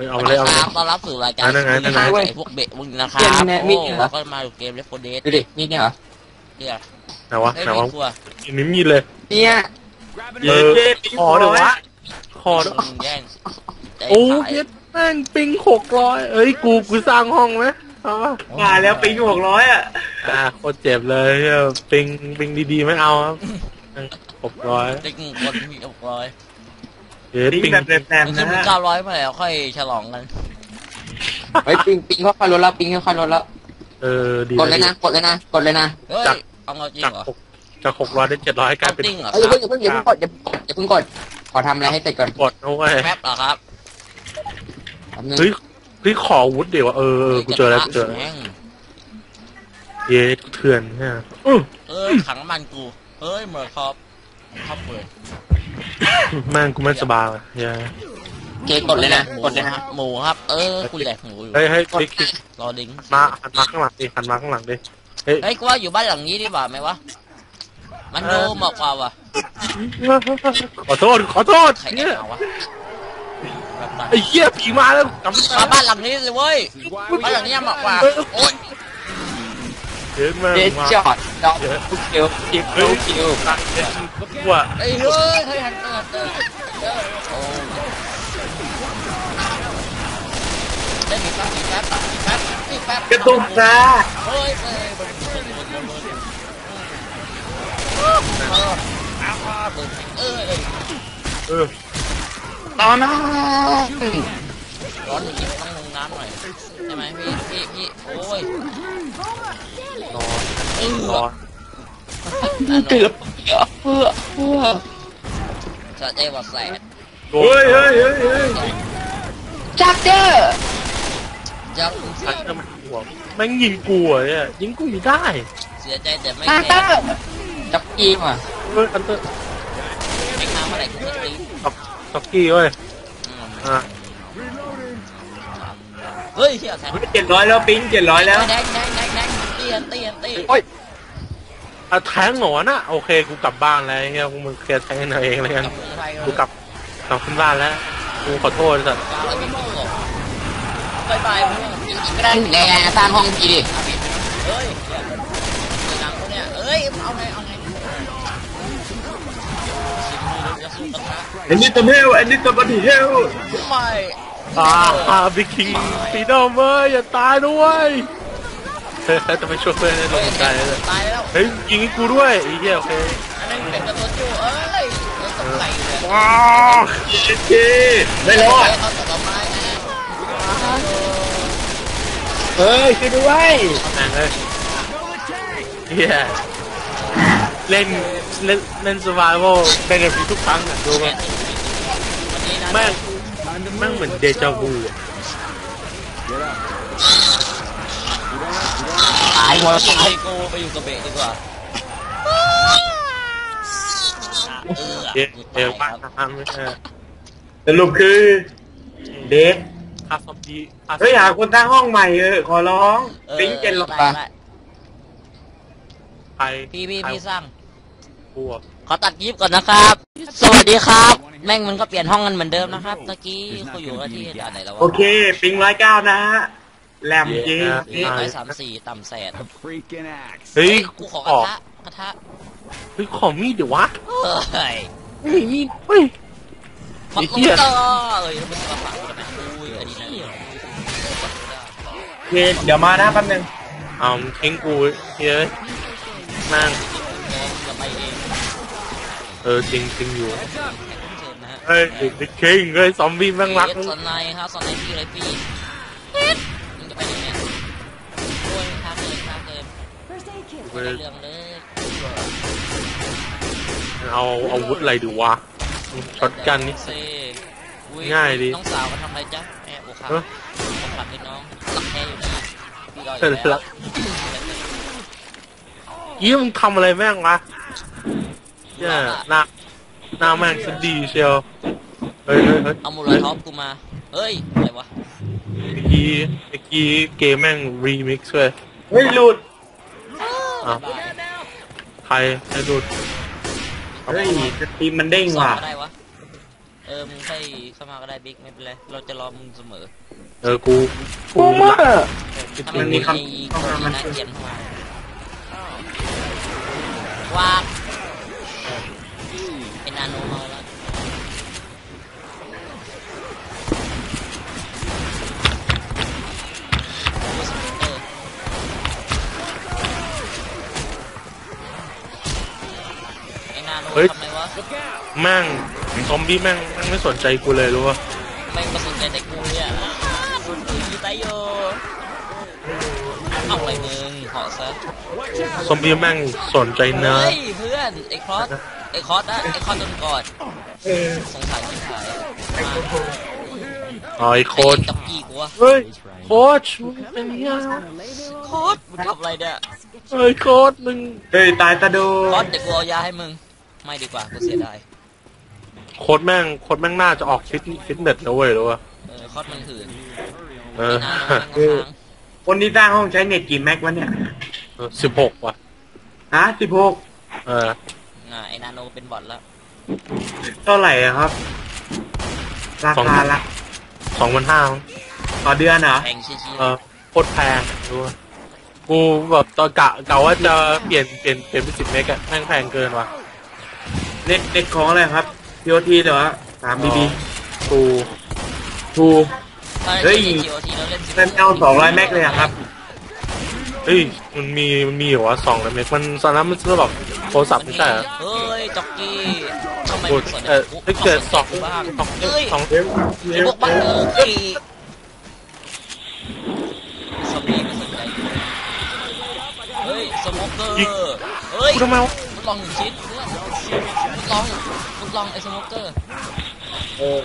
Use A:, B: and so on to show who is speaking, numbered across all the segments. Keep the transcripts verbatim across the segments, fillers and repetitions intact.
A: เอาเลยเอาเลย
B: ต้อนรับสู่รายการไอ้พวกเบะพวกนี้นะครับโอ้แล้วก็มาดูเกมเลฟโฟเดส
C: ดูดิมีเนี่ยเหรอ
B: เนี่ย
A: ไหนวะไหนวะมีมีเลย
C: เนี่ย
A: เออขอเดี๋ยววะขอ
B: แย่ง
A: โอ้ยแม่งปิงหกร้อยเอ้ยกูกูสร้างห้องไหมเอาวะ
D: มาแล้วปิงหกร้อยอ่ะ
A: อ่าโคตรเจ็บเลยปิงปิงดีๆไม่เอาครับหกร้อย
B: ปิงคนมีหกร้อย
A: เดี๋ยวปิง
D: แบบแปลกๆ
B: นะเก้าร้อยมาแล้วค่อยฉลองกัน
C: ไอ้ปิงปิงค่อยๆลดแล้วปิงค่อยๆลดแล้ว
A: เออดี
C: กดเลยนะกดเลยนะกดเลยนะ
B: จากเอาจริงเหรอ
A: จากหกร้อยได้เจ็ดร้อยกลายเป็น
C: เฮ้ยอย่าเพิ่งอย่าเพิ่งอย่าเพิ่งกดอย่าเพิ่งกดขอทำอะไรให้เสร็จก่อน
A: กดเอาไว้
B: แป๊บเหรอครับ
A: เฮ้ยเฮ้ยขอวุฒิเดี๋ยวเออกูเจอแล้วกูเจอเย้เถื่อนเนี่ย
B: เออขังมันกูเฮ้ยเหมือนครับครับเปิด
A: แม่งกูไม่สบายเลยเย้
C: เกกดเลยนะกดเลยนะ
B: หมูครับเออกูแหลกหมูอยู่
A: เฮ้ยเฮ้ย
B: รอดิ้ง
A: มาหันมาข้างหลังดิหันมาข้างหลังดิ
B: เฮ้ยกูว่าอยู่บ้านหลังนี้ดีกว่าไหมวะมันโดมากกว่าวะ
A: ขอโทษขอโทษ
B: เนี่ย
A: ไอ้เหี้ยผีมาแล้วกลับ
B: มาบ้านหลังนี้เลยเว้ยบ้านหลังนี้มากกว่าโอ๊ย
A: เดินมา
C: เด็ดจอดจอดทุกคิวคิวคิวคิว
A: ว่า
B: ไอ้เฮ้ยเฮ้ยหันเตอร์เตอร์ได้มีแป๊บมีแป๊บมีแป๊บมีแป๊บ
D: กระตุกจ้า
B: เฮ้ยเฮ้ยเออ
A: เออ
C: ตอนนั้น
B: ร้อนจริงต้องลงน้ำหน่อยใช่ไหมพี่พี่พี่โอ้ย
A: นอนน
C: อนเกือบเพื่อเพื่อ
B: จะเจ๊ว่าแสบ
D: เฮ้ยเฮ้ยเฮ้ยเฮ้ย
C: จักเจอ
B: จัก
A: จักเจอมันหัวแม่งยิงกูอ่ะยิงกูอยู่ได้
B: เสียใจแต่ไม่
C: แพ้จับกีมอ่ะ
A: เฮ้ยอันเตอร์
B: ไม่ทำอะไรกูจะตี
A: ต็อกกี้เว้ยอ่ะ
B: เฮ้ยเฮียแทง
D: เจ็ดร้อยแล้วปิงเจ็ดร้อยแล้ว
B: แดงแดงแดงแดงตีนตีนตี
A: โอ้ยอะแทงหนอนอ่ะโอเคกูกลับบ้านแล้วเฮียมึงเคลียร์แทงเอาเองเลยกันกูกลับกลับขึ้นบ้านแล้วกูขอโทษสัตว์
B: บายบายมึง
C: ก็ได้แกสร้างห้องผีดิ
B: เฮ้ยหนังคนเนี้ยเอ้ยเอาไงเอาไง
D: ไอ้นี่ตัวเฮลไอ้นี่ตัวบัตเฮล
B: ไม่
A: อ่าอ่าบิ๊กคิงปีดอมเว้ยอย่าตายด้วยเฮ้ยจะไปช่วยเพื่อนให้ลงใจเลย
B: ตายแล้ว
A: เฮ้ยยิงกูด้วยไอ้เหี้ยโอเค
B: อันนี้เป็นตัวจูเอ้ยต้องใส่เลย
A: ว้าว
D: เจ๊ไม่รอด
C: เฮ้ยช่วยด้วย
A: แม่งเลยเฮียเล่นเล่นเล่น survival เป็นแบบนี้ทุกครั้งอ่ะดูมั้ยแม่งแม่งเหมือนเดจาวู
C: ตายหมด
B: ไอโกไปอยู่กับเบะดีกว่า
A: เดี๋ยวเดี๋ยวมาทำไม่ใช่
D: สรุปคือเด็ก
A: คาซอมดี
D: เฮ้ยหาคนตั้งห้องใหม่เออขอร้องปิงเจนลงไป
A: ใคร
B: พี่พี่พี่สร้าง
A: บัว
B: ขอตัดยิบก่อนนะครับสวัสดีครับแม่งมันก็เปลี่ยนห้องกันเหมือนเดิมนะครับตะกี้เขาอยู่ที่ไหนแล้ววะ
D: โอเคปิงร้อยเก้านะแหลมจริง
B: ร้อยสามสี่ต่ำแสน
A: เฮ้ย
B: กูขอกระทะกระทะ
A: เฮ้ยขอมีดเดี๋ยววะ
B: เฮ้ย
A: เฮ้ยมีดเฮ้ย
B: ไอ้เหี้ยเอ้ยมันมาฝังกันนะอุ้ยอันนี้นะ
D: โอเคเดี๋ยวมานะแป๊บนึง
A: เอาทิ้งกูเฮ้ยนั่งเออจริงจริงอยู่เฮ้ยเด็กเก่งเลยซอมบี้แม่งรัก
B: สไนครับสไนพี่อะไรพี่มึงจะไปยังไงโอ้ยทางเลยทางเลยเรื่องเลย
A: เอาอาวุธอะไรดูวะช็อตกันนี่ง่ายดิ
B: น้องสาวมาทำอะไรจ๊ะแอบโอ้ครับผมหลับให้น้องหลับแค่อยู่นี่พี่ก็อยู่แล้ว
A: ยี่มึงทำอะไรแม่งวะเนี่ยหน้าหน้าแม่งสุดดีเชียวเฮ้ยเฮ้ยเฮ้ย
B: เอามูลท็อปกูมาเฮ้ยอะไรวะ
A: เมื่อกี้เมื่อกี้เกมแม่งรีมิกซ์เลย
D: เฮ้ยหลุด
A: อ่ะใครใครหลุด
D: เฮ้ยสตรีมมันเด้งว่ะ
B: เอออมึงค่อยเข้ามาก็ได้บิ๊กไม่เป็นไรเราจะรอมึงเสมอ
A: เออกูกู
C: กู
A: รั
C: มาก
B: ถ้ามันมีไอ้คนที่น่าเกลียดเข้ามาว้าเป็นนาโนเมาแล้วไอ้นาโนทำไมวะ
A: แม่งซอมบี้แม่งแม่งไม่สนใจกูเลยรู้ป่ะ
B: ไม่มาสนใจแต่กูเนี่ยสุดตุยตายโยเอาอะไรมึงเหาะซะ
A: ซอมบี้แม่งสนใจเนื้อ
B: เฮ้ยเพื่อนไอ้คอสไอ้คอสนะไอ้คอสโดนกอดสงสารที่ถ่ายมา
A: อ๋อไอโคตร
B: ไอ้กับกี้กูวะ
A: เฮ้ยโค้ชมึงเป็นเหี้ย
B: โคตรมึงทำอะไรเนี่ย
A: เฮ้ยโค้ชมึง
D: เฮ้ยตายตาโด
B: คอสเดี๋ยวกูเอายาให้มึงไม่ดีกว่ากูเสียดาย
A: โค้ชแม่งโค้ชแม่งน่าจะออกฟิตฟิตเนสแล้วเว้ยรู้ป่ะ
B: เออคอสมันหื่น
A: เออ
B: ไอ้นาโนแม่งค้าง
D: คนที่สร้างห้องใช้เน็ตกี่แม็กวะเนี่ย
A: สิบหกว่ะ
D: ฮะสิบหก
A: เออ
B: อ่าไอ้นาโนเป็นบอทแล้ว
D: เท่าไหร่อะครับ ราคาละ
A: สองพันห้า
D: ต่อเดือนเหรอ
B: แพงชี้
A: เออโคตรแพงรู้ป่ะกูแบบตอนกะกะว่าจะเปลี่ยนเปลี่ยนเปลี่ยนเป็นสิบเมกอะแม่งแพงเกินว่ะ
D: เน็ตเน็ตของอะไรครับพีโอทีเหรอสามบีบี
A: กู
D: ทู
B: ๆถ้า
D: เฮ้
B: เล่
D: ย
B: น จี โอ ที แล้วเล่นสิบ
D: นั่นเอาสองร้อยแม็กเลยอะครับ
A: เฮ้ยมันมีมันมีเหรอวะสองเมกมันตอนนั้นมันซื้อแบบโทรศัพท์ไม่ใช่เหรอ
B: เฮ้ยจ็อกกี้ทำไม
A: กู
B: มึงสนใจ
A: เออ
B: กู
A: ถ้าเกิดสอง
B: กูบ้าง
A: สอง
B: เฮ้ย
A: สอง
B: ไอ้พวกบ้าเอ้ยสมีไม่สนใจกูเฮ้ยสโมเกอร์เฮ้ย
A: กูทำไมวะ
B: มึงลองหนึ่งชิ้นเพื่อนมึงลองมึงลองไอ้สโมเกอร์
D: เออ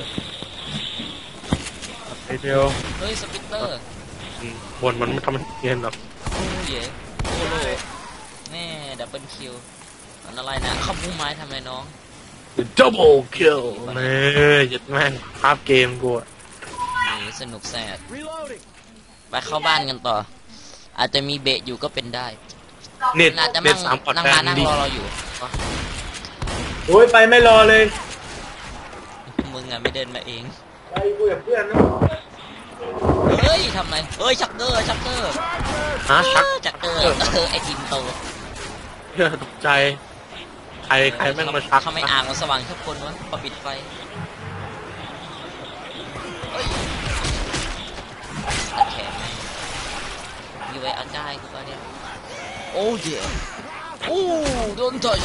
A: ไอเดียว
B: เฮ้ยสปิตเตอร์
A: อืมบนมันไม่ทำให้เย็นหรอก
B: โอ้ยโอ้โหแม่ดับเบิลคิวมันอะไรนะขบุ้งไม้ทำอะไรน้อง
A: double kill เน่ยัดแม่งภาพเกมกูอะ
B: นี่สนุกแสดไปเข้าบ้านกันต่อ อาจจะมีเบะอยู่ก็เป็นได้
A: เน็ต
B: อาจจะ
A: เน็
B: นั่
A: ต
B: ง
A: สามพอร์ต
B: นั่ง
A: แบ
B: มาน นั่ง
A: ดี
B: รอเราอยู่
D: โอ้ยไปไม่รอเลย
B: มึงอ่ะไม่เดินมาเอง
D: ไปคุยกับเพื่อนนะ
B: เฮ้ยทำไรเฮ้ยชักเกอร์ชักเกอร์
A: ฮะชัก
B: ชักเกอร์เออไอทีมโต
A: เพื่อตกใจ ใครใครแม่งมาชัก
B: ทำไมอ่างมันสว่างทุกคนวะพอปิดไฟเฮ้ยตัดแขนไหมมีไว้อาก้ายกูก็เนี่ยโอ้เดี๋ยวโอ้โดนtouch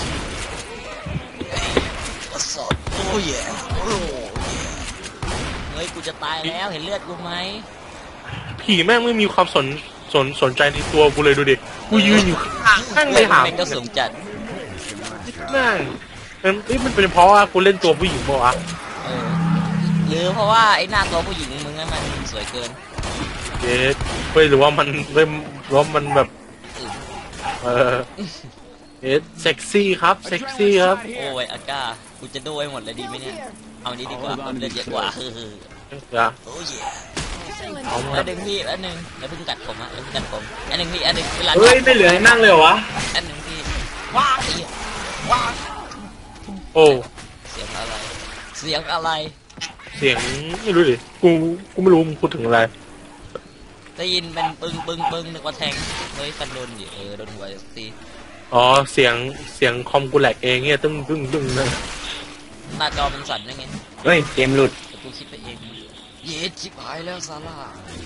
B: สดโอ้ยโอ้ยเฮ้ยกูจะตายแล้วเห็นเลือดกูไหม
A: ผีแม่งไม่มีความสนสนสนใจในตัวกูเลยดูดิ กูยืนอยู่ข้างแม่งเลยหา
B: แม่งก็สูงจัด
A: แม่งมันเอ้ยมันเป็นเพราะว่ากูเล่นตัวผู้หญิงป่าวะ
B: เออหรือเพราะว่าไอ้หน้าตัวผู้หญิงมึงนั้นมันสวยเกิน
A: เอ๊ะเฮ้ยหรือว่ามันเริ่มหรือว่ามันแบบ
B: อืม
A: เออเอ๊ะเซ็กซี่ครับเซ็กซี่ครับ
B: โอ้ยอาก้ากูจะดูให้หมดเลยดีไหมเนี่ยเอานี้ดีกว่าเพิ่มเลือดเยอะกว่าคือ
A: เดี๋ยว
B: โอ้ย
A: เอามา
B: อันหนึ่งพี่อันหนึ่งแล้วเพิ่งกัดผมอ่ะแล้วเพิ่งกัดผมอันหนึ่งพี่อันหนึ่งเวลา
D: เฮ้ยไม่เหลือให้นั่งเลยเหรอวะ
B: อันหนึ่งพี่ว้าวไอ้เหี้ยว้าว
A: โอ้
B: เสียงอะไร เสียงอะไร
A: เสียงไม่รู้ดิกูกูไม่รู้มึงพูดถึงอะไร
B: ได้ยินเป็นปึ้งปึ้งปึ้งนึกว่าแทงเฮ้ยฟันโดนดิเออโดนหัวตี
A: อ๋อเสียงเสียงคอมกูแหลกเองเนี่ยตึ้งตึ้งตึ้งนะ
B: หน้าจอมันสั่นยังไง
D: เฮ้ยเกมหลุด
B: แต่กูคิดไปเองเย็ดชิบหายแล้วซาร่า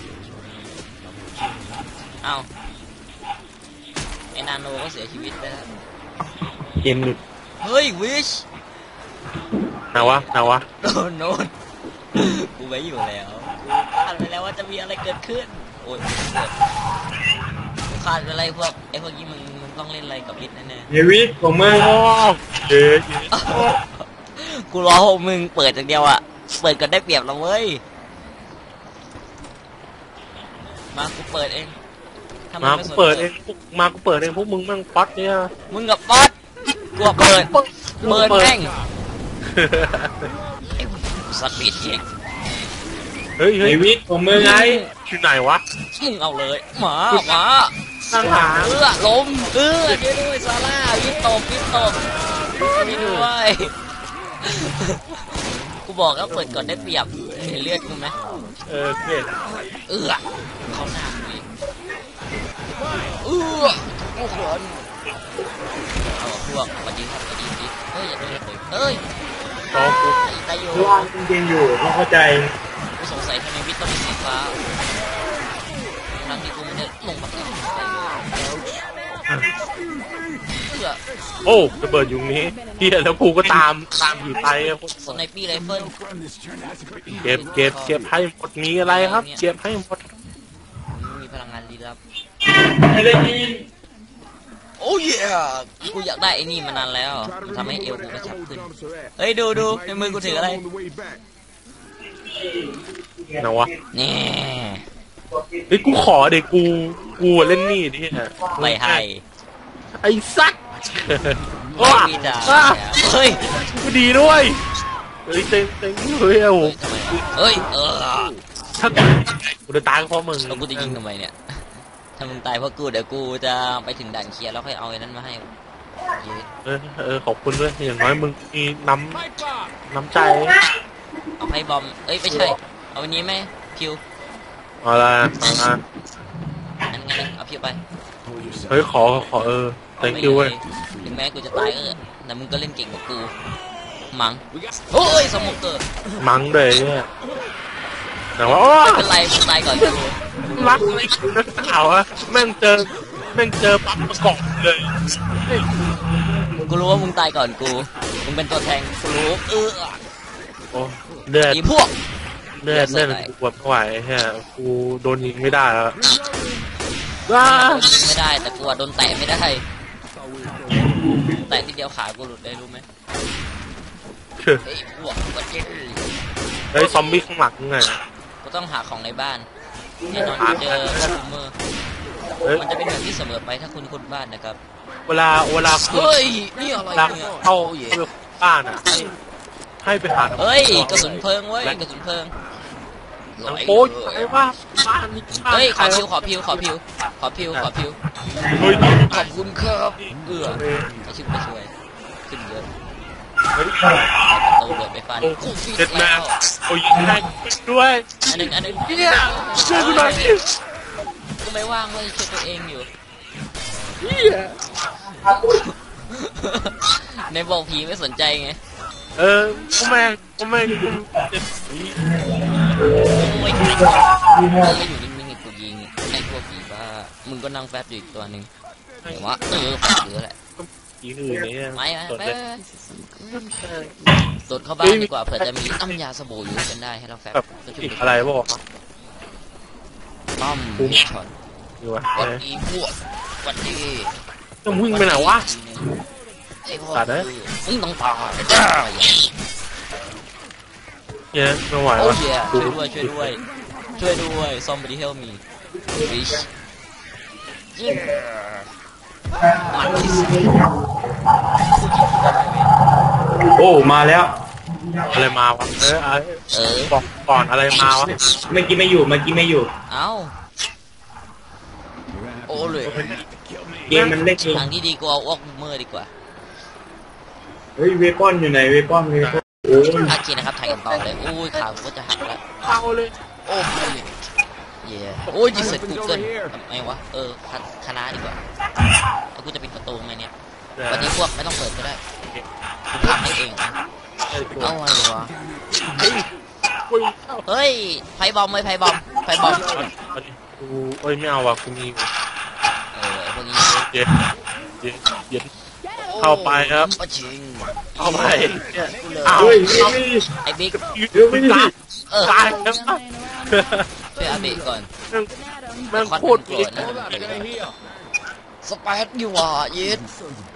B: เอ้าไอ้นาโนก็เสียชีวิตไปแล้ว
D: เกมหลุด
B: เฮ้ยวิช
A: นาวะนาวะ
B: โดนโนนกูไว้อยู่แล้วกูคาดไปแล้วว่าจะมีอะไรเกิดขึ้นโอ้ยเกิดกูคาดไปอะไรพวกไอ้พวกนี้มึงมึงต้องเล่นอะไรกับลิศแน่
D: เฮวิของมึง
A: โอ้เอ๊ะ
B: ๆกูรอพวกมึงเปิดอย่างเดียวอะเปิดกันได้เปรียบเราเว้ยมากูเปิดเองถ้
A: มา
B: ไส
A: กู
B: น
A: เปิดเองพวกมากูเปิดเองพวกมึงแม่งป๊อตเนี่ย
B: มึงกับป๊อตกูเปิดเปิดแม่งสปีดเช็ค
A: เฮ้ย
D: เฮ
A: เฮ้ย
D: วิของมึงไง
A: ที่ไหนวะ
B: มึงเอาเลยหมาหมา
A: ตั้งหา
B: เออล้มเออช่วยด้วยซาร่าวิตตบวิตตบช่วยด้วยกูบอกแล้วเปิดก่อนได้เปรียบเห็นเลือดกูไหม
A: เออเห็น
B: เออเขาหน้ากูอีกเออโอ้โหเอาพวกมายิงครับมายิงดิเฮ้ยอย่าโดนเลยเฮ้ย
A: ตองกู
B: ตายอยู่
D: ว่างจริงๆอยู่ไม่เข้าใจ
B: กูสงสัยทำไมวิทย์ต้องเป็นสีฟ้าทั้งที่กูไม่ได้ลงมาเลยเพื่อ
A: โอ้ระเบิดอยู่นี้เฮียแล้วกูก็ตามตามผีไปอะ
B: สไนปี้ไรเฟิล
A: เก็บเก็บเก็บให้หมดมีอะไรครับเก็บให้หมด
B: มีพลังงานลี้ลับ
D: ไม่ได้ยิน
B: โอ้ยกูอยากได้ไอ้นี่มานานแล้วทำให้เอวกูกระชับขึ้นเฮ้ยดูดูในมือกูถืออะไร
A: นะวะ
B: นี่
A: เฮ้ยกูขอเด็กกูกูเล่นนี่ดิฮะ
B: ไม่ให้
A: ไอ้สัตว์
B: ไม่
A: ว้า
B: มีจ่า
A: ว้า
B: เฮ้ย
A: กูดีด้วยเฮ้ยเต็งเต็งเฮ้ยโอ้โห
B: ทำไมเฮ้ยเออ
A: ถ้ากูจะตายก็เพราะมึง
B: แล้วกูจะยิงทำไมเนี่ยถ้ามึงตายเพราะกูเดี๋ยวกูจะไปถึงด่านเคลียร์แล้วค่อยเอาไอ้นั้นมาให้
A: เออเออขอบคุณด้วยอย่างน้อยมึงมีน้ำน้ำใจ
B: เอาไพ่บอมเอ้ยไม่ใช่เอาอันนี้ไหมพิว
A: เอาละเอาละ
B: อันงั้นเอาพิวไป
A: เฮ้ยขอขอเออ thank you เว้ย
B: ถึงแม้กูจะตายเออแต่มึงก็เล่นเก่งกว่ากูมั้งเฮ้ยสมองเกิด
A: มั้งเลยเนี่ยแต่ว่าโอ้
B: ไม่เป็นไรมึงตายก่อนกู
A: รักอะไรนักข่าวอะแม่งเจอแม่งเจอปั๊บประกอบเลย
B: กูรู้ว่ามึงตายก่อนกูมึงเป็นตัวแทงกูรู้เออ
A: โอ้เลือด
B: อีพวก
A: เลือดเลือดกูปวดไม่ไหวแค่กูโดนยิงไม่ได้แล้วว้า
B: โดนยิงไม่ได้แต่กูอะโดนแตะไม่ได้แตะทีเดียวขากูหลุดได้รู้ไหมไอ้พวกวันเจ๊
A: เฮ้ยซอมบี้ข้างหลังไง
B: กูต้องหาของในบ้านแน่นอนกูเจอซูเมอร์
A: เฮ้ย
B: มันจะเป็นแบบที่เสมอไปถ้าคุณคุ้นบ้านนะครับ
A: เวลาเวลาคุณ
B: เฮ้ยนี่อะไร
A: เวลา
B: เนี่ย
A: เข้า
B: โอ้ย
A: บ้านอะให้ให้ไปหา
B: เฮ้ยกระสุนเพลิงเว้ยกระสุนเพลิง
A: หนังโป๊ยไอ้ว่าบ้านนี้บ้าน
B: เฮ้ยข
A: ใคร
B: อพิวขอพิวขอพิวขอพิวขอพิว
A: เฮ้ย
B: ขอบคุณครับเอื้อไอชิบไปช่วยขึ้นเยอะ
A: เฮ้ย
B: ประตูเดินไปฟัน
A: โอ้
B: กูฟิต
A: เจ็ดแม่
B: แล้ว
A: โอ้ยยิงได้ด้วย
B: อันหนึ่งอันหนึ่ง
A: เนี่ยช่วยกูหน่อยดิ
B: กูไม่ว่างเว้ยช่วยตัวเองอยู่
A: เนี่ย
B: ในบอกผีไม่สนใจไง
A: เออก็แม่งก็แม่งกูเจ็บผี
B: ไม่ยิงไม่อยู่นิ่งๆให้กูยิงไอ้พวกผีบ้ามึงก็นั่งแฟบอยู่อีกตัวหนึ่งเดี๋ยวว่าเออฝังเยอะแหละ
A: ผีอื่นเนี่ย
B: ไม่
A: สด
B: ไป
A: เลย
B: สดเข้าบ้านดีกว่าเผื่อจะมีน้ำยาสบู่อยู่กันได้ให้เราแฟบ
A: แบบ
B: ก็ช่ว
A: ผี
B: ย
A: อะไรบอกครับ
B: ต้อมช็อต
A: ดูวะ
B: วันอีพวกวันดี
A: ต้องวิ่งไปไหนวะ
B: ไอ้พวก
A: ตัดเลย
B: มึงต้องตาย
A: เนี่ยไม่ไหว
B: โอ้
A: วะ
B: ยช่วยด้วยช่วยด้วยช่วยด้วย somebody help me fish มันที่สุด
D: โอ้มาแล้ว
A: อะไรมาวะเออ
B: เออ
A: บอกก่อนอะไรมาวะ
D: เมื่อกี้ไม่อยู่เมื่อกี้ไม่อยู่
B: เอ้าโอ้เลย
D: เกมมันเล่นเอง
B: ทางที่ดีกูเอาออกเมอร์ดีกว่า
D: เฮ้ยเวปอนอยู่ไหนเวปอนเวปอนโอ้ย
B: โอเคนะครับถ่ายกันต่อเลยโอ้ยขากูก็จะหักแล้ว
A: เอาเลย
B: โอ้ยเย่โอ้ยดิเสร็จกูเกิลทำไมวะเออคณะดีกว่าแล้วกูจะปิดประตูไหมเนี่ยวันนี้พวกไม่ต้องเปิดก็ได้กูพักให้เองเอาอะไรวะเฮ้ยไฟบอมเลยไฟบอมไฟบอม
A: กูเอ้ยไม่เอาว่ะกูมี
B: เออไอ้พวกนี้
A: เย็นเย็นเย็นเข้าไปครับ
B: ปะชิง
A: เข้าไปเนี่ย
B: เอา
D: เฮ้ยเฮ้ย
B: ไอ้บิ๊ก
A: เดี๋ยวไม่ได้
B: เออ
A: ตายแล้ว
B: ช่วยอาเบะก่อน
A: แม่งโคตร
B: โกรธนะสเปซอยู่อ่ะยิด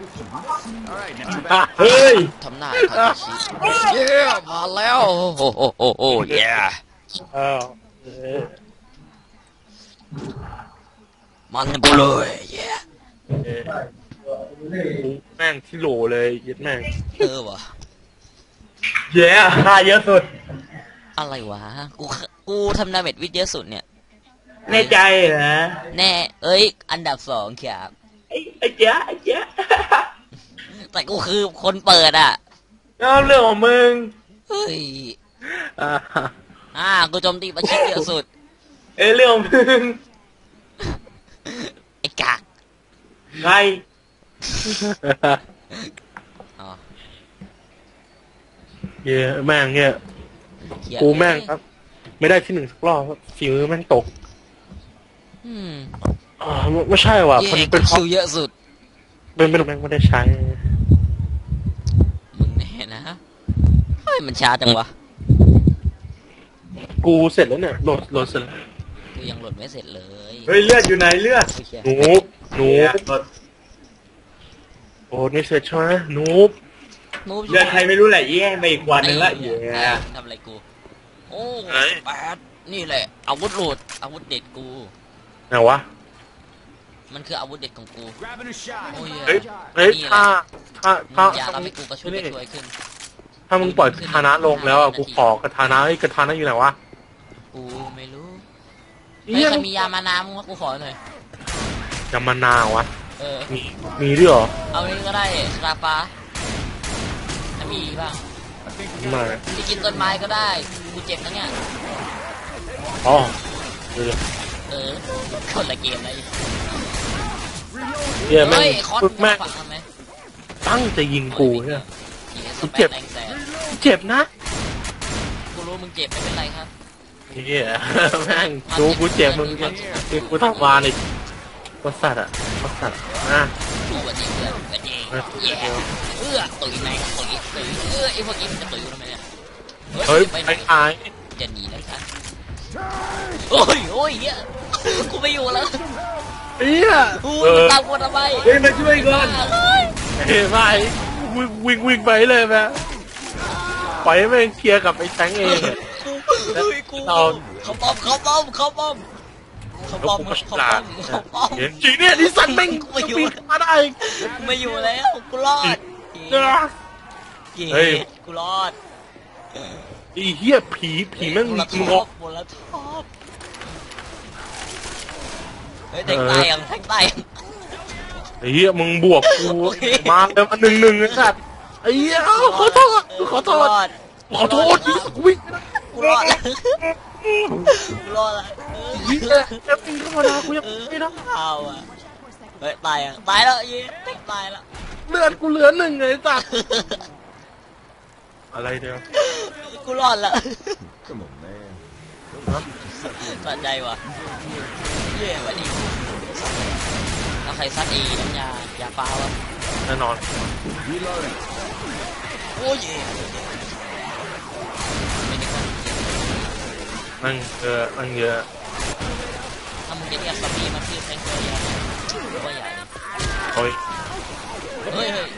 D: เฮ้ย
B: ทำหน้าทาชิเย้มาแล้วโอ้โหโอ้โหโอ้เย้
A: เออเออ
B: มันไปเลยเย้
A: เออแม่งที่โหลเลยยัดแม่ง
B: เออวะ
D: เย้ค่าเยอะสุด
B: อะไรวะกูกูทำดาเมจวิทย์เยอะสุดเนี่ย
D: แน่ใจเหรอ
B: แน่เอ้ยอันดับสองครับ
D: ไอ้ไอ้เจ๊ะไอ้เจ๊ะ
B: แต่กูคือคนเปิดอ่ะ
D: เอาเรื่องของมึง
B: เฮ้ย
A: อ่า
B: อ่ากูโจมตีประชิดเยอะสุด
D: เอ้ยเรื่องของมึง
B: ไอ้กาก
D: ใคร
B: อ๋อ
A: เหี้ยแม่งเนี่ย
B: เหี้ย
A: กูแม่งครับ ไม่ได้ที่หนึ่งสักรอบครับฝีมือแม่งตก
B: อืม
A: อ่าไม่ไม่ใช่ว่ะ
B: เย่
A: มัน
B: กู
A: เป็นเพราะ
B: คิวเยอะสุด
A: เป็นเป็นแม่งไม่ได้ใช้
B: มึงแน่นะเฮ้ยมันช้าจังวะ
A: กูเสร็จแล้วเนี่ยโหลดโหลดเสร็จแล้ว
B: กูยังโหลดไม่เสร็จเลย
D: เฮ้ยเลือดอยู่ไหนเลือด
B: โอเค
A: หนูหนู
D: เนี่ยรถ
A: โอ้ไม่เสร็จใช่ไหมหนู
B: นูบ
D: เลือดใครไม่รู้แหละเย้ไปอีกวันหนึ่งละ
B: ไอ้
D: เย้
B: เหี้ยทำอะไรกู โอ้แปดนี่แหละอาวุธโหลดอาวุธเด็ดกู
A: ไหนวะ
B: มันคืออาวุธเด็ดของกูโอ้ย
A: เฮ้ยเฮ้ย
B: นี่แห
A: ถ้า
B: ละ
A: ถ้า
B: มึ
A: ถ้าง
B: อย่าทำให้กูกระชุ่มกระชวยขึ้น
A: ถ้ามึงปล่อยคาถานะลงแล้วอ่ะกูขอกระทานะไอ้ยกระทานะอยู่ไหนวะ
B: กูไม่รู้
A: เหี้
B: เฮ้ย
A: ย
B: ใครมียามานามึงว่ากูขอหน่อย
A: จะมานาวะ
B: เออ
A: มีมีด้วยเหรอ
B: เอานี้ก็ได้สลาฟ้าถ้ามีบ้าง
A: มา
B: จะกินต้นไม้ก็ได้ กูเจ็บนะเนี่ย
A: อ๋อเออ
B: เออคนละเกมเลย
A: เฮียแม่ง
B: เฮ้ยคอส
A: แม่ง
B: ฝังมันไหม
A: ตั้งจะยิงกูเนี่ย
B: ยิงให้ส
A: กู
B: เป
A: เจ็
B: น
A: บ
B: แรงแสน
A: เจ็บนะ
B: กูรู้มึงเจ็บไม่เป็นไรครับ
A: เฮียแม่งดูกูเจ็บมึงยังกูทำวานอีกก็สัตว์อ่ะก็สัตว์อ่ะ
B: กูวันนี้เพื่อนวันนี้แย่เอื้อตุยแม่งตุยตุยเอื้อไอ้พวกนี้มันจะตุยกูทำไมเนี่ย
A: เฮ้ย
B: ไป
A: ไป
B: ไหน
A: ขาย
B: จะหนีนะครับโอ้ยโอ้ยเฮียกูไม่อยู่แล้ว
A: เฮีย
B: กู
A: เออ
B: ตามกูทำไม
D: เฮ้ยมาช่วยก่อน
B: เฮ้ย
A: เฮ้ยไม่วิ่งวิ่งวิ่งไปเลยแม่ปล่อยให้แม่งเคลียร์กับไอ้แทงเองอะ
B: เฮ้ยกู
A: เรา
B: เขาป้อมเขาป้อมเขาป้อมเขา
A: แล้ว
B: ป้อม
A: กูก็ฉ
B: เขา
A: ลา
B: ป้อ
A: ด
B: มเขาป้อม
A: เห็นจริงเนี่ยนิสันแม่ง
B: กูไม่อยู่
A: ปีนมาได้
B: กูไม่อยู่แล้วกูรอด
A: เฮ้ย เฮ้ย
B: กูรอด
A: ไอ้เหี้ยผีผีแม่ง
B: กู
A: มี
B: ละท
A: ง
B: อ
A: อบ
B: กูละทอบเฮ้ยแทงตายยังแทงตายยัง
A: ไอ้เหี้ยมึงบวกกู
B: โอเค
A: มาแล้วมาหนึ่งหนึ่งไอ้สัตว์ไอ้เหี้ยเอ้าขอโทษขอโทษ
B: กูรอด
A: ขอโทษวิ่ง
B: กูรอดแล้วกูรอดแล้วเออ
A: วิ่งแค่ปีนเข้ามานะกูยังไม่นะ
B: เอาอ่ะเฮ้ยตายยังตายแล้วยีแทงตายแล้ว
A: เลือดกูเหลือหนึ่งไอ้สัตว์อะไรเดียว
B: กูรอดแล้ว
E: Come on, man.
B: สะใจว่ะเย่วันนี้แล้วใครซัดอีน้ำยายาฟ้าวะ
A: แน่นอน
E: Reloading.
B: โอ้ยเย่ไม่ได้กัน
A: นั่งเยอะนั่งเยอะ
B: ถ้ามึงจะเรียกซัมบี้มาชื่อแทงเกอร์ยาก็ใหญ่เลย
A: โอ้ย
B: เฮ้ยเฮ้ย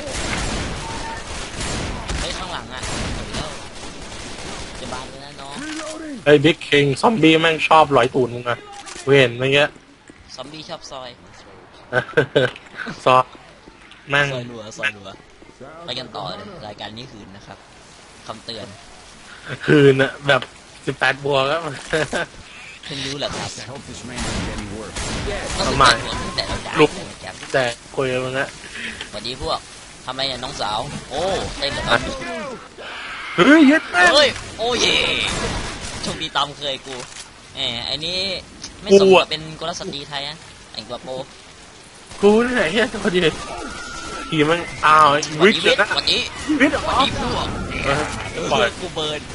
B: เฮ้ยข้างหลังอ่ะเดี๋ยวจะบานเลยนะน้อง
A: ไอ้บิ๊กคิงซอมบี้แม่งชอบร้อยตูนมึงอะเว้นเมื่อกี้
B: ซอมบี้ชอบซอย
A: ซอแม่ง
B: ซอยรัวซอยรัวไปกันต่อเลยรายการนี้คืนนะครับคำเตือน
A: คืนอะแบบสิบแปดบวกแล้ว
B: เพิ่งรู้แหละครับ
E: I hope this rain doesn't get any worse.
B: ต้อง
A: ทำ
B: สิบ
A: ไม
B: แปดหัวตั้งแต่เราด่า
A: ลุก
B: เลยนะครับ
A: แต่คุยกับมึงอะ
B: สวัสดีพวกทำไมเนี่ยน้องสาว โอ้เต้นเหรอครับ
A: เฮ้ยเย็ดแม่ง
B: เฮ้ย โอ้เย่โชคดีตามเคยกูแหมไอ้นี่ไม่สม
A: กู
B: กั
A: อะ
B: บเป็นกุลสตรีไทยนะแต่งตัวโป
A: กูนี่ไหนเฮียตัวเดียวทีมันอ้าว
B: สวั
A: วิ
B: ส
A: ก
B: ดี
A: เลยนะ
B: สวัสดี
A: วิก
B: สวัสดีพวก
A: เออ
B: เอ
A: ปล่อย
B: อกูเบิร์น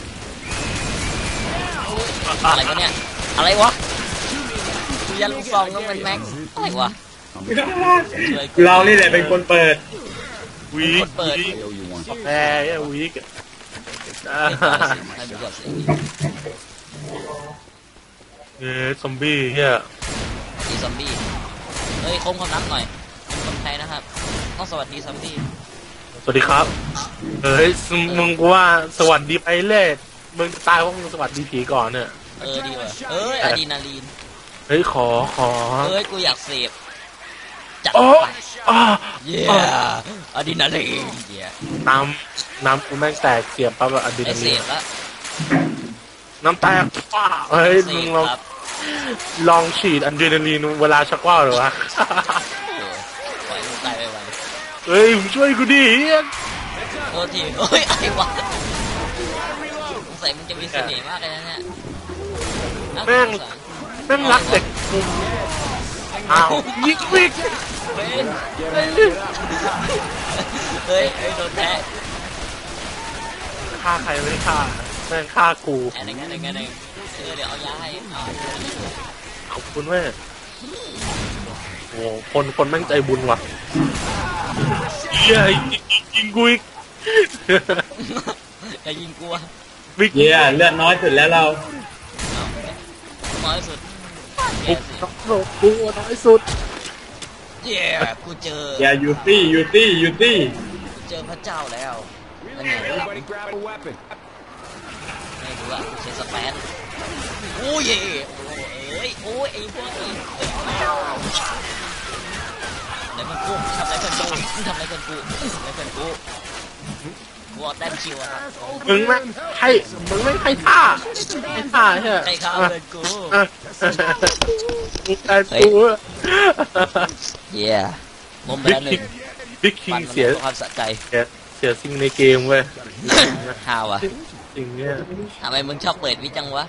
B: อะไรวะเนี่ย อะไรวะกูยันลูกซองต้องเป็นแม็กอะไรวะช่วยกู
D: เรานี่แหละเป็นคนเปิด
A: วิก
B: เปิด
A: วิก
E: I owe you one.
A: แพ้ไอ้วิกอะอ่า
B: ให้ดูก่อนสิ
A: เอ้ยซอมบี้เฮีย
B: ดีซอมบี้เฮ้ยโค้งความนับหน่อยเป็นคนไทยนะครับต้องสวัสดีซอมบี้
A: สวัสดีครับเอ้ยมึงกูว่าสวัสดีไปเล่มึงตายเพราะมึงสวัสดีผีก่อนเนี่ย
B: เออดีว่ะเอ้ยอะดรีนาลีน
A: เฮ้ยขอขอ
B: เอ้ยกูอยากเสพจัด
A: โอ้
B: ไป
A: อ่า
B: เย้อะดรีนาลีนเย้
A: น้ำน้ำกูแม่งแตกเสียบปั๊บอะอะดรี
B: ไอ
A: นา
B: เส
A: ลีน
B: พละ
A: น้ำแตกป้าเฮ้ย
B: เส
A: มึง
B: พ
A: ลอง
B: ครับ
A: ลองฉีดอะดรีนาลีนเวลาชักว่าวเหรอวะ
B: เออปล่อยมึงตายไปวัน
A: เฮ้ยมึงช่วยกูดิเฮีย
B: โทษทีเฮ้ยไอ้วะสัยมึงจะมีเสน่ห์มากเลยนะเนี่ย
A: แม่งแม่งรักเด็กมุมอ้าวยิงวิก
B: เฮ้ยเฮ้ยเฮ้ยโดนแทะ
A: ฆ่าใครไม่ฆ่าแม่งฆ่ากู
B: อะไรกันอะไรกันเองเออเดี๋ยวเอายาให้เอา
A: ขอบคุณแม่โอ้คนคนแม่งใจบุญว่ะเฮียยิงยิงกูอีก
B: อย่ายิงกูอ่ะ
A: วิก
D: เย่เลือดน้อยสุดแล้วเรา
B: น้อยสุด
A: บุกน้องโลกกูน้อยสุด
B: เย้กูเจอ
D: อย่ายูตี้ยูตี้ยูตี้
B: กูเจอพระเจ้าแล้วนั่นไง
E: Everybody grab a weapon.
B: ไม่รู้อ่ะกูใช้สแปนโอ้ยเอ้ยโอ้ยไอ้พวกนี้ไหนมันกูทำอะไรกันกูทำอะไรกันกูทำอะไรกันกูกูเอาแต้มคิวอะครับ
A: มึงแม่งให้มึงไม่ให้ท่าให้ท่าใช่ไหม
B: ใครเข้าเงินกู
A: อ่ะมึงได้กูอะ
B: เย้มมไป
A: บิ๊ก
B: แล้วห
A: คิ
B: นึ่
A: ง
B: ง
A: บิ๊กคิง
B: ปั่นมัน
A: เสีย
B: ความสะใจ
A: เสียเสียสิ่งในเกมเว้ย
B: ฮาวอ่ะ
A: สิ่งเนี้ย
B: ทำไมมึงชอบเปิดวิจังวะ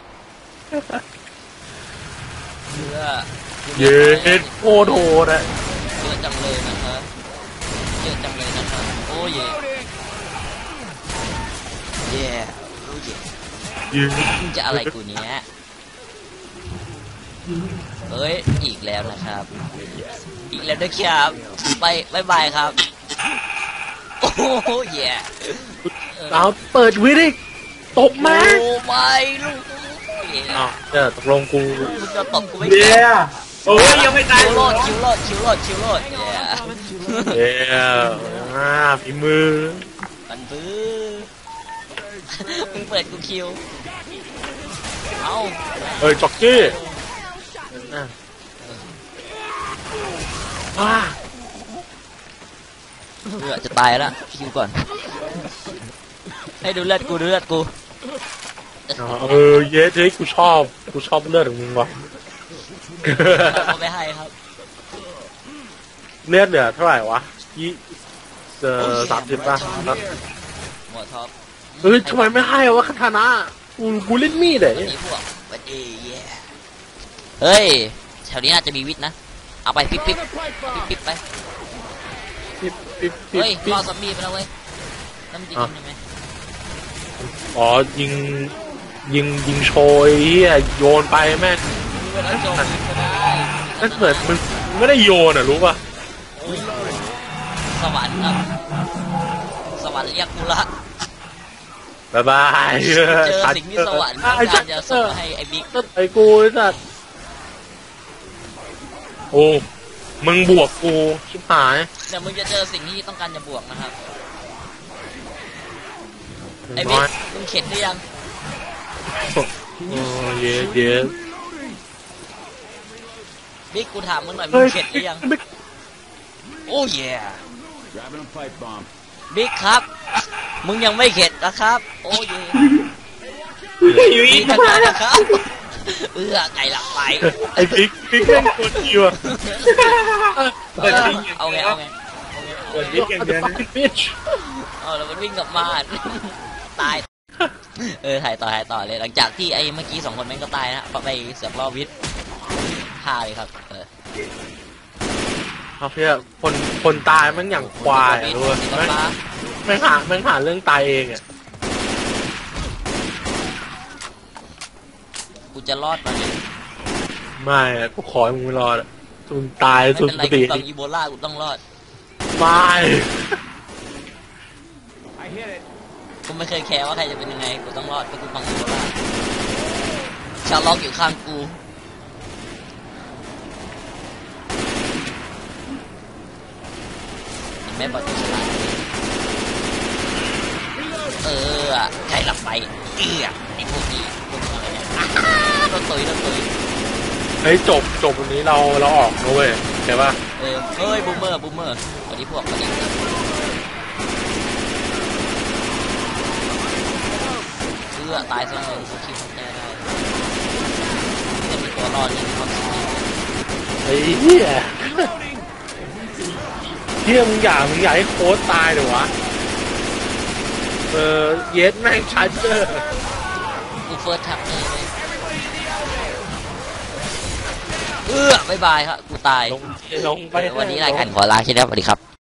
B: เพื่อ
A: เย็นโคตรโหดอะ
B: เยอะจังเลยนะครับเยอะจังเลยนะครับโอ้ยเย่โอ้ย
A: ยืน
B: มึงจะอะไรกูเนี้ยเฮ้ยอีกแล้วนะครับ อีกแล้วนะครับไปบายบายครับโอ้โหเย่
A: เอาเปิดวิดิตบมา
B: โอ้ไม่ลูกเย่
A: อ้าวเดี๋ยวตกลงกู
B: มึงจะตบกูไม่
D: เย่โอ้ยยังไม่ตาย
B: คิวโลดคิวโลดคิวโลดคิวโลดเย่
A: เอ้ยอ่าฝีมือ
B: มันบื้อมึงเปิดกูคิวเอา
A: เฮ้ยจ็อกกี้อ่ะว้า
B: เลือดจะตายแล้วคิวก่อนให้ดูเลือดกูดูเลือดกู
A: เออเย้เฮ้ยกูชอบกูชอบเลือดของมึงว่ะ
B: เอาไปให้ครับ
A: เลือดเหลือเท่าไหร่วะยี่เออสามสิบป่ะครับ
B: หัวท็อป
A: เฮ้ยทำไมไม่ให้วะคาทานะกูกูเล่นมีดเลย
B: วันนี้พวกวันดีเย่เฮ้ยแถวนี้น่าจะมีวิทย์นะเอาไปปิ๊บปิ๊บปิ๊บปิ๊บไป
A: ปิ๊บปิ๊บปิ๊บ
B: เฮ้ย
A: ปิ๊
B: รอบ ซอมบี้ไปแล้วเว้ยน้ำจิ้มได้ไหม
A: อ๋อยิงยิงยิงโชยเฮียโยนไปแม่ง
B: เวลาโจมตีก็ได้
A: นั่นเหมือนมึงไม่ได้โยนอ่ะรู้ป่ะ
B: สวรรค์ครับสวรรค์เรียกกูละ
A: บายบาย
B: เจอสิ่งที่สวรรค์ต้องการจะส่งมาให้ไอ้บิ๊ก
A: ต้นไอ้กูไอ้สัตว์โอ้มึงบวกกูชิบหาย
B: เดี๋ยวมึงจะเจอสิ่งที่ต้องการจะบวกนะครับไอ้
A: น้
B: บิ๊
A: อก ย
B: มึงเข็ดหรือยัง
A: โอ้เย้เย้
B: บิ๊กกูถามมึงหน่อยมึ
A: เฮ้
B: ง
A: ย
B: เข็ดหรือยังโอ้ย
E: Grabbing a pipe bomb.
B: บิ๊กครับ มึงยังไม่เข็ดนะครับ โอ้ย
D: อยู่อี
B: บิ๊
D: ก
B: กทำงานนะครับเอื้อไก่หลับไป
A: ไอ้ปิ๊กปิ๊กเล่นคนเดียวอะ
D: เปิดทิ้ง
B: เอาไงเอาไง
D: เปิดวิกอย่างเดียวนะ
A: บิช
B: เอาแล้วมันวิ่งกลับมาตายเออถ่ายต่อถ่ายต่อเลยหลังจากที่ไอ้เมื่อกี้สองคนแม่งก็ตายนะไปเสือกล่อวิทย์ฆ่าเลยครับเออ
A: เอาเพื่อคนคนตายมันอย่างควายอะรู้ป่ะ
B: สี
A: แม่ง
B: ฟ้า
A: แม่งหาแม่งหาเรื่องตายเองอ่ะ
B: กูจะรอดมัน
A: ไม่อะกูขอให้มึงไม่รอดอะมึงตาย
B: ไม่
A: สุด
B: เป็นไร
A: สติ
B: กูต้องอีโบลากูต้องรอด
A: ไม่
E: I hit it.
B: กูไม่เคยแคร์ว่าใครจะเป็นยังไงกูต้องรอดเพราะกูฟังอีโบลาชาวล็อกอยู่ข้างกูแม่บอกจะชนะเออใครหลับไปเอื้อไอ้พวกนี้พวกอะไรเนี่ยต้นตุยต้นตุย
A: เฮ้ยจบจบวันนี้เราเราออกนะเว้ยเข้าป่ะ
B: เออเฮ้ยบูมเมอร์บูมเมอร์วันนี้พวกวันนี้เอื้อตายซะเลยกูคิดว่าได้ได้จะมีตัวรอดยังมีความสุข
A: ไอ้เหี้ยเหี้ยมึงอยากมึงอยากให้โค้ชตายเหรอวะเออเยสแม่งชัดเจอ
B: เฟิร์สแท็บเลยเออบายบายครับกูตาย
A: ลงลงไป
B: วันนี้รายการขอลาแค่นี้ครับสวัสดีครับ